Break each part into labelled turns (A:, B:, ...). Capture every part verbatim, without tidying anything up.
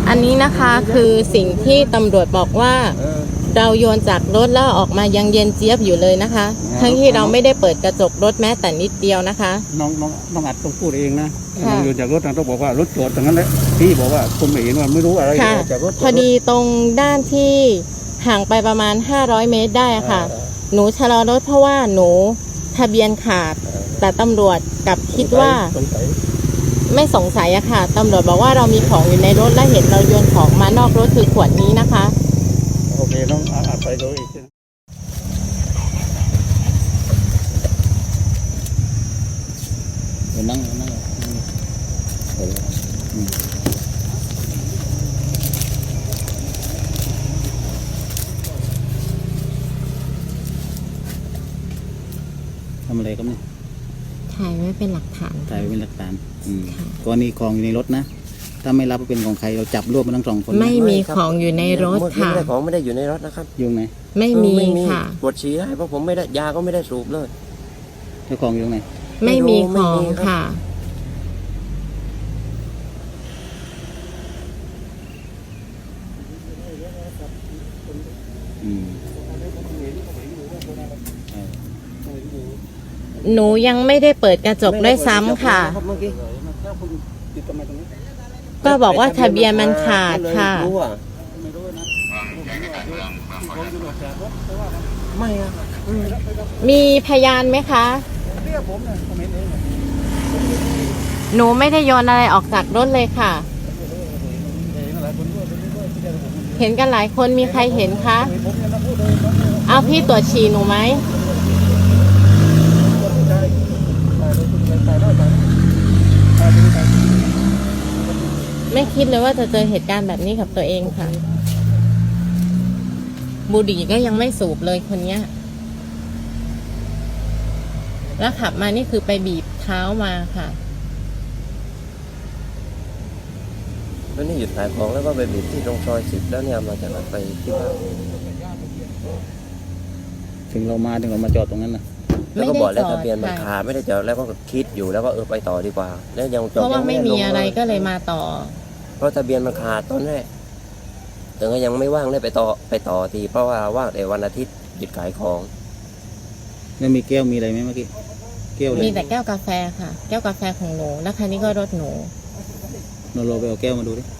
A: อันนี้นะคะคือสิ่งที่ตำรวจบอกว่าเราโยนจากรถแล้วออกมายังเย็นเจี๊ยบอยู่เลยนะคะทั้งที่เราไม่ได้เปิดกระจกรถแม้แต่นิดเดียวนะคะ
B: น้องน้องน้องอัดต้องพูดเองนะน้องโยนจากรถต้องบอกว่ารถจอดตรงนั้นแหละพี่บอกว่าคุณไม่เห็นว่าไม่รู้อะไรจากรถ
A: พอดีตรงด้านที่ห่างไปประมาณห้าร้อยเมตรได้ค่ะหนูชะลอรถเพราะว่าหนูทะเบียนขาดแต่ตำรวจกลับคิดว่าไม่สงสัยอะค่ะตำรวจบอกว่าเรามีของอยู่ในรถและเห็นเราโยนของมานอกรถคือขวดนี้นะคะ
B: โอเคน้องอัดไปดูอีกนั่งนั่งทำอะไรก็ไม่
A: ถ่ายไว้เป็นหลักฐาน
B: ถ่ายไว้เป็นหลักฐานกรณีของอยู่ในรถนะถ้าไม่รับเป็นของใครเราจับรวบมันทั้งสองคน
A: ไม่มีของอยู่ในรถค่ะ
C: ไม่ได้ของไม่ได้อยู่ในรถนะครับ
B: ยุ่งไหน
A: ไม่มีค่ะ
C: ปวดฉี่ได้เพราะผมไม่ได้ยาก็ไม่ได้สูบเลย
B: เจ้าของอยู่ไหน
A: ไม่มีของค่ะหนูยังไม่ได้เปิดกระจกด้วยซ้ำค่ะก็บอกว่าทะเบียนมันขาดค่ะ
C: ไม่อะ
A: มีพยานไหมคะหนูไม่ได้โยนอะไรออกจากรถเลยค่ะเห็นกันหลายคนมีใครเห็นคะเอาพี่ตรวจฉี่หนูไหมไม่คิดเลยว่าจะเจอเหตุการณ์แบบนี้กับตัวเองค่ะบุหรี่ก็ยังไม่สูบเลยคนเนี้ยแล้วขับมานี่คือไปบีบเท้ามาค่ะ
C: แล้วนี่หยุดขายของแล้วก็ไปบีบที่ตรงซอยสิบแล้วเนี่ยมาจากไหนไปที่บ้าน
B: ถึงเรามาถึงเรามาจอดตรงนั้นนะ
C: แล้วก็บอกแล้วทะเบียนมันขาดไม่ได้จอดแล้วก็คิดอยู่แล้วก็เออไปต่อดีกว่าแล้วยังจอด
A: เพราะว่าไม่มีอะไรก็เลยมาต่อ
C: เพราะทะเบียนมันขาดตอนแรกแต่ก็ยังไม่ว่างได้ไปต่อไปต่อทีเพราะว่าว่างแต่วันอาทิตย์หยุดขายของ
B: แล้วมีแก้วมีอะไรไหมเมื่อกี้
A: แก้วมีแต่แก้วกาแฟค่ะแก้วกาแฟของหนูแล้วคันนี้ก็รถหนู
B: เราลองไปเอาแก้วมาดูดิ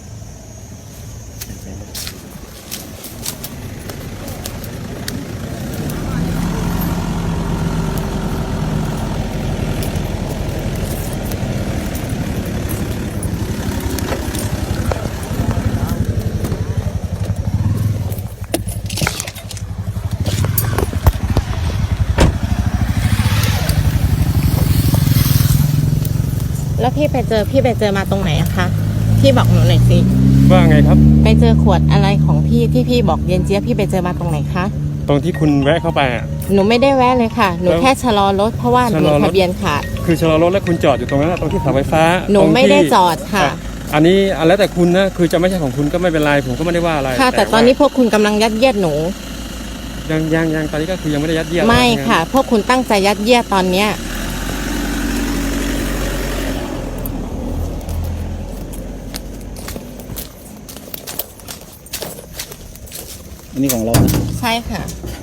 A: แล้วพี่ไปเจอพี่ไปเจอมาตรงไหนอะคะพี่บอกหนูหน่อยสิ
D: ว่าไงครับ
A: ไปเจอขวดอะไรของพี่ที่พี่บอกเย็นเจี๊ยบพี่ไปเจอมาตรงไหนคะ
D: ตรงที่คุณแวะเข้าไปอ่ะ
A: หนูไม่ได้แวะเลยค่ะหนูแค่ชะลอรถเพราะว่าหนูทะเบียนขาด
D: คือชะลอรถแล้วคุณจอดอยู่ตรงนั้นตรงที่เสาไฟฟ้า
A: หนูไม่ได้จอดค่ะ
D: อันนี้แล้วแต่คุณนะคือจะไม่ใช่ของคุณก็ไม่เป็นไรผมก็ไม่ได้ว่าอะไร
A: ค่ะแต่ตอนนี้พวกคุณกำลังยัดเยียดหนู
D: ยังยังยังตอนนี้ก็คือยังไม่ได้ยัดเยียด
A: ไม่ค่ะพวกคุณตั้งใจยัดเยียดตอนเนี้ย
B: อันนี้ของเรา
A: ใช่ค่ะ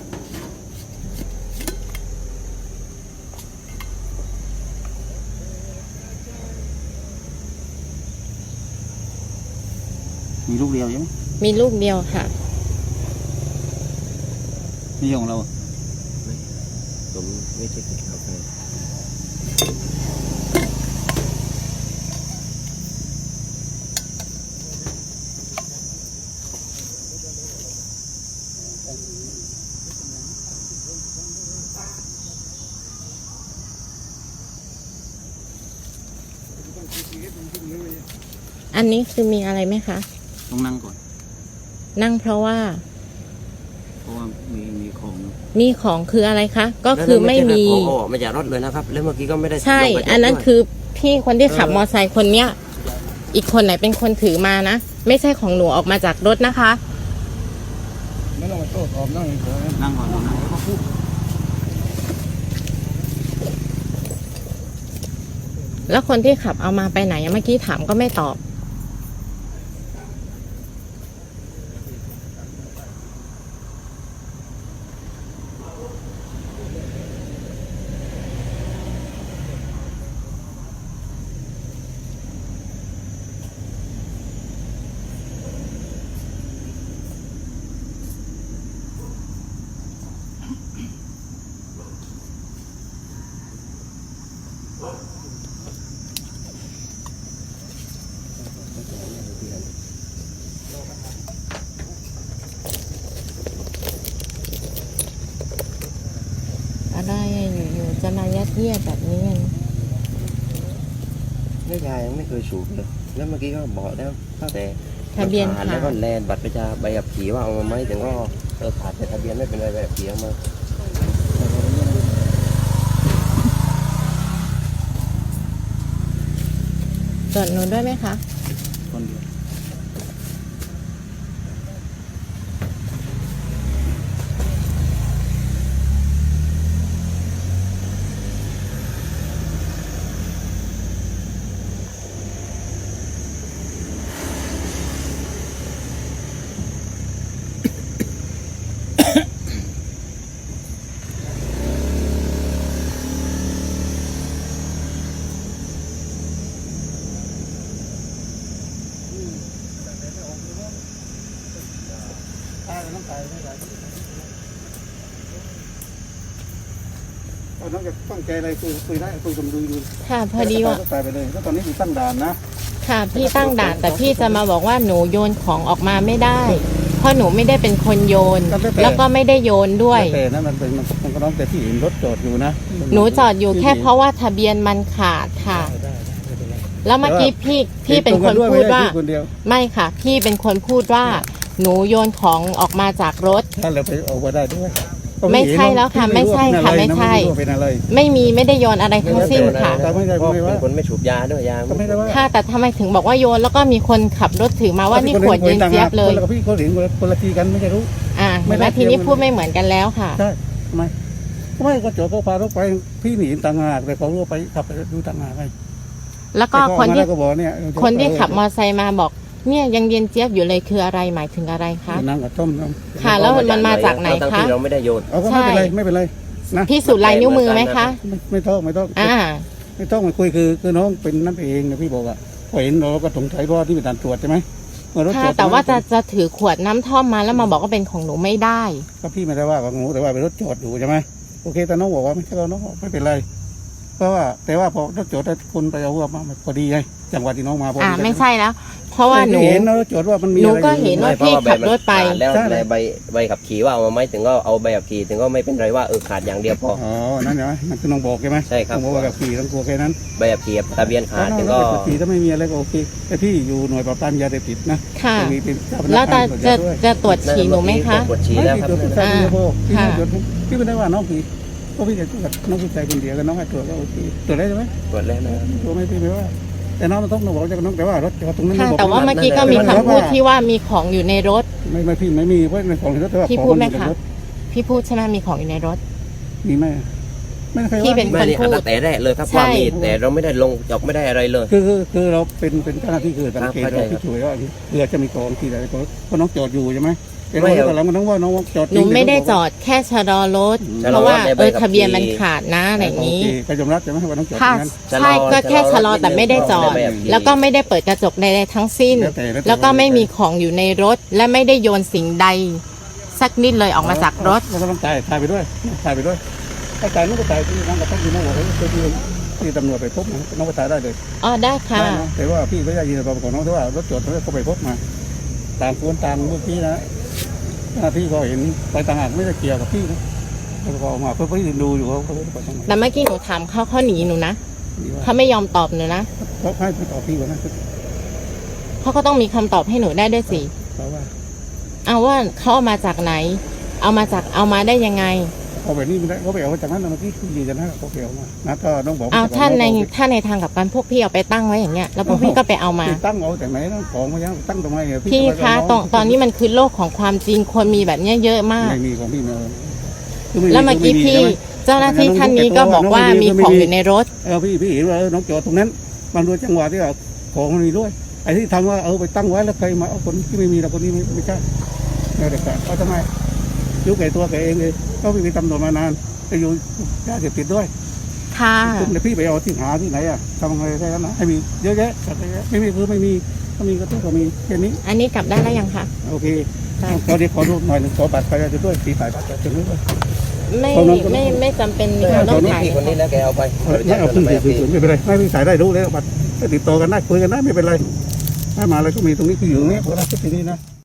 B: มีลูกเดียวใช่ไหม
A: มีลูกเดียวค่ะ
B: นี่ของเรา
C: ผมไม่ใช่กินกาแฟ
A: อันนี้คือมีอะไรไหมคะ
B: ต้องนั่งก่อน
A: นั่งเพราะว่า
B: เพราะว่ามีมีของ
A: มีของคืออะไรคะก็คือไม่มี
C: ไม่จากรถเลยนะครับแล้วเมื่อกี้ก็ไม่ได้
A: ใช่อันนั้นคือพี่คนที่ขับมอเตอร์ไซค์คนเนี้ยอีกคนไหนเป็นคนถือมานะไม่ใช่ของหนูออกมาจากรถนะคะ
B: ไม่ต้องมาโต้ตอบนั่งก่อนนั่งก่อนนั่งแล้วก็พูด
A: แล้วคนที่ขับเอามาไปไหนเมื่อกี้ถามก็ไม่ตอบ
C: ที่นั่น
A: อะไรอะอยู่ๆจะมายัดเยียดแบบนี้
C: แล้วยายยังไม่เคยสูบเลยแล้วเมื่อกี้ก็บอกแล้วตั้งแต่
A: ทะเบียน
C: ขา
A: ขา
C: ด
A: ด
C: แล้วก็แลนบัตรประชาใบขับขี่ว่าเอามาไหมแต่ก็เออขาดแต่ทะเบียนไม่เป็นไรใบขับขี่เอามา
A: จดหนูด้วยไหมคะ
B: คนเดียว ตายแล้วต้องตายไม่ได้ตอนนั้นจะตั้งใจอะไรคุยคุยได้คุยกับดูดู
A: ค่ะพอดีว่า
B: ก็ตายไปเลยแล้วตอนนี้อยู่ตั้งด่านนะ
A: ค่ะพี่ตั้งด่านแต่พี่จะมาบอกว่าหนูโยนของออกมาไม่ได้ เพราะหนูไม่ได้เป็นคนโยน แล้วก็ไม่ได้โยนด้วย
B: แต่นั้นมันเป็นมันมันก็น้องแต่ที่เห็นรถจอดอยู่นะ
A: หนูจอดอยู่แค่เพราะว่าทะเบียนมันขาดค่ะ
B: ได้ได้ไม่เป็นไร
A: แล้วเมื่อกี้พี่พี่เป็นคนพูดว่า
B: เห็นตรงกันด้วยไม่ใช่พี่คนเดียว
A: ไม่ค่ะ พี่เป็นคนพูดว่า หนูโยนของออกมาจากรถ
B: ถ้าเราไปเอาไปได้ด้วย
A: ไม่ใช่แล้วค่ะไม่ใช่ค่ะไม่ใช่
B: เป็นอะไร
A: ไม่มีไม่ได้โยนอะไรทั้งสิ้นค่ะ
B: แต่ไม่ได้
C: เพราะ
B: ไม่ว่า
C: เป็นคนไม่สูบยาด้วยยา
B: ก็ไม่ได้ว่า
A: ค่ะแต่ทำไมถึงบอกว่าโยนแล้วก็มีคนขับรถถือมาว่านี่ขวดเย็นเจี๊ยบเลย
B: คนละพี่เขาเห็นคนละทีกันไม่ใช่รู้
A: อ่า
B: ไม่
A: เห็นไห
B: ได้
A: มทีนี้พูดไม่เหมือนกันแล้วค่ะ
B: ใช่ทำไมไม่ก็จอดก็พารถไปพี่หนีต่างหากแต่เขารู้ไปขับไปดูต่างหากไง
A: แล้วก็คนที่
B: ก็บอกเนี่ย
A: คนที่ขับมอเตอร์ไซค์มาบอก เนี่ยยังเย็นเจี๊ยบอยู่เลยคืออะไรหมายถึงอะไรคะ
B: นั่งกับต้มน้
A: ค่ะ แล้วมันมาจากไหน
C: ทั้ง
A: คะ
C: ที่เราไม่ได้โยน
B: เอาก็ไม่เป็นไรไม่เป็นไรนะ
A: พี่สูจน์ลายนิ้วมือไหมคะ
B: ไม่ไม่ต้องไม่ต้อง
A: อ่า
B: ไม่ต้องมาคุยคือคือน้องเป็นนั่นเองนะพี่บอกอ่ะพอเห็นเราก็สงสัยเพราะว่าที่เป็นด่านตรวจใช่ไหมเมื่อรถ
A: ค่ะ
B: จอด
A: แต่ว่าจะจะถือขวดน้ำท่อมมาแล้วมาบอกว่าเป็นของหนูไม่ได้
B: ก็พี่ไม่ได้ว่าของหนูแต่ว่าเป็นรถจอดอยู่ใช่ไหมโอเคแต่น้องบอกว่าไม่ใช่เราน้องบอกไม่เป็นไรเพราะว่าแต่ว่าพอรถจอดคนไปเอาว่ามาพอดีไงจังหวะที่น้องมาพอ
A: อ่า
B: ดี
A: ไม่ใช่แล้ว เพราะว่าหนู
B: เห็นนะรถจอดว่ามันมี
A: หนู
B: อะไร
A: ก็
B: อยู่
A: เห็นว่า
C: ไม่เพราะว่าใบมัน
A: พี่ขับรถไป
C: ขาดแล้ว
B: ใช่
C: ในใบใบขับขี่ว่าเอามาไหมถึงก็เอาใบขับขี่ถึงก็ไม่เป็นไรว่าเออขาดอย่างเดียวพอ
B: อ๋อนั่นใช่ไหมมันคือน้องบอกใช่ไหม
C: ใช่ครับ
B: น้องบอกว่าแบบขี่ต้องกลัวแค่นั้น
C: ใบขับขี่ทะเบียนขาดถึง
B: ก็
C: ก็
B: ขี่ถ้าไม่มีอะไรก็โอเคแต่พี่อยู่หน่วยปราบปรามยาเสพติดนะ
A: ค่ะ
B: จะมีเป็นเจ้าพนัก
A: แล้ว
B: งา
A: จะ
B: นตรวจ
A: จะ
B: ยาด้วย
A: จะตรวจฉี่หนูไหมคะ
C: ปวดฉี่แล้วครับ
B: ไม่ได้ตรวจผู้ชายคนเดียวพอพี่
A: ค่ะ
B: ไม่ตรวจพี่ไม่ได้ว่าน้องผีเพราะพี่จะตรวจน้องผู้ชายคนเดียวกับน้องให้ตรวจก็โอเคตรวจได้ใช่ไหม
C: ตรวจแล้วนะ
B: ตรวจไม่พี่ไม่ว่า แต่น้องมันต้องบอกจะน้องแต่ว่ารถจอดตรงนั้น
A: ค่ะ
B: บอก
A: แต่ว่าเมื่อกี้ก็มีคำพูดที่ว่ามีของอยู่ในรถ
B: ไม่ไม่พี่ไม่มีเพราะในของรถแต่ว่า
A: พี่
B: ของ
A: พูดไหม
B: นอยู่
A: คะ
B: ในรถ
A: พี่พูดใช่ไหมมีของอยู่ในรถ
B: มีไหมไม่เคย
A: พี่
B: ว่า
A: เป็น
C: ไม่นี่อันตั้งแต่แรกเลยครับ
A: ใช่
C: ว่ามีแต่เราไม่ได้ลงจอกไม่ได้อะไรเลย
B: คือคือคือเราเป็นเป็นเจ้าหน้าที่คือสังเกต
C: ครับเข้าใจ
B: เรา
C: ครั
B: ที่
C: บ
B: ช่วยว่าเรือจะมีกองที่ไหนก็เพราะน้องจอดอยู่ใช่ไหมแต่
C: ไม่
B: เรา
C: เอา
B: ตอนหลังมันต้องว่าน้องจอดจ
A: ห
B: ริ
A: นู
B: ง
A: ไม่ได้จอดแค่ชะลอรถ
C: ชะ
A: เพ
C: ลอ
A: ราะว่า
C: ในใบ
A: เออ
C: ขับ
A: ทะเบียน
C: ขี่
A: มันขาดนะอะไรอย่างนี้
B: โเคก็ยอมรับใช่ไหมว่าน้องจอดตร
A: ค่ะ
B: งนั้น
C: ชะลอ
A: ใช่ก็แค่ชะลอ
C: ชะลอ
A: แต่ไม่ได้จอด
C: นิดนึง
A: แล้วก็ไม่ได้เปิดกระจกใดๆทั้งสิ้น
B: แล้วแต่แล้วแต่
A: แล้วก็ไม่มีของอยู่ในรถ และไม่ได้โยนสิ่งใด สักนิดเลยออกมาจากรถ
B: เราก็ต้องตายตายไปด้วยตายไปด้วยถ้าตายน้องก็ตายที่น้องก็ต้องอยู่น้องบอกว่าที่ที่ตำรวจไปพบนะน้องก็ตายได้เลย
A: อ๋อได้ค่ะ
B: ได้นะแต่ว่าพี่ไม่ได้ยินตอนของน้องแต่ว่ารถจอดตรงนี้เขาไปพบมาต่างคนต่างเมื่อกี้นะหน้าที่ก็เห็นไปต่างหากไม่ได้เกี่ยวกับพี่นะเขาก็ออกมาเพื่อพี่ดูอยู่เขาเขาไปทางไหน
A: แต่เมื่อกี้หนูถามเขาเขาหนีหนูนะ
B: ดีว่า
A: เขาไม่ยอมตอบหนูนะ
B: เขาให้ไปต่อพี่ก่อนนะ
A: เขาก็ต้องมีคำตอบให้หนูได้ด้วยสิ
B: เพราะว่า
A: เอาว่าเขาเอามาจากไหน เอามาจากเอามาได้ยังไง
B: เขาไปนี่ไม่ได้เขาไปเอาจากนั้นเมื่อกี้คือยืนยันนะเขาไปเอามานะถ้าน้องบอก
A: เอาท่านในท่านในทางกับการพวกพี่เอาไปตั้งไว้อย่างเงี้ยแล้วพวกพี่ก็ไปเอามา
B: พี่ตั้งเอาจากไหนนะของมายังตั้งตรงไหนเนี่ย
A: พี่คะตอนตอนนี้มันคือโลกของความจริงคนมีแบบเนี้ยเยอะมาก
B: ไม่มีของพี่ไม่เอา
A: แล้วเมื่อกี้พี่เจ้าหน้าที่ท่านนี้ก็บอกว่ามีของอยู่ในรถ
B: เออพี่พี่เห็นว่าน้องจอดตรงนั้นมันรู้จังหวะที่ว่าของมันมีด้วยไอ้ที่ทำว่าเอาไปตั้งไว้แล้วใครมาเอาคนที่ไม่มีเราคนนี้ไม่ไม่ใช่ไม่ได้กันเขาทำไมยุคไก่ตัวแกเองเลยเขาไปตำรวจมานานไปอยู่ยาเสพติดด้วย
A: ค่ะ
B: คุณเดี๋ยวพี่ไปเอาที่หาที่ไหนอ่ะทำไงได้แล้วนะให้มีเยอะแยะจัดเยอะไม่มีคือไม่มีถ้ามีก็ต้องก็มีแค่นี้
A: อันนี้กลับได้แล้วยังคะ
B: โอเคตอนนี้ขอรูปหน่อยหนึ่งขอบัตรประชาชนด้วยสีถ่ายบัตรประชาชนด้วย
A: ไม่
B: คนนั้นคนนั้น
A: ไม่ไม่จำเป็น
C: ไม่
A: ค่ะต้อง
C: นี่
A: ถ่าย
C: พี่คนนี้แล้วแกเอาไป
B: ไม่เอาขึ้น
C: ใบ
B: สี่
C: ขับ
B: ศูน
C: ขี่
B: ย์ไม่เป็นไรไม่พี่ถ่ายได้รู้แล้วบัตรติดต่อกันได้คุยกันได้ไม่เป็นไรถ้ามาแล้วก็มีตรงนี้คืออยู่ตรงนี้พวกเราคิดที่นี่นะ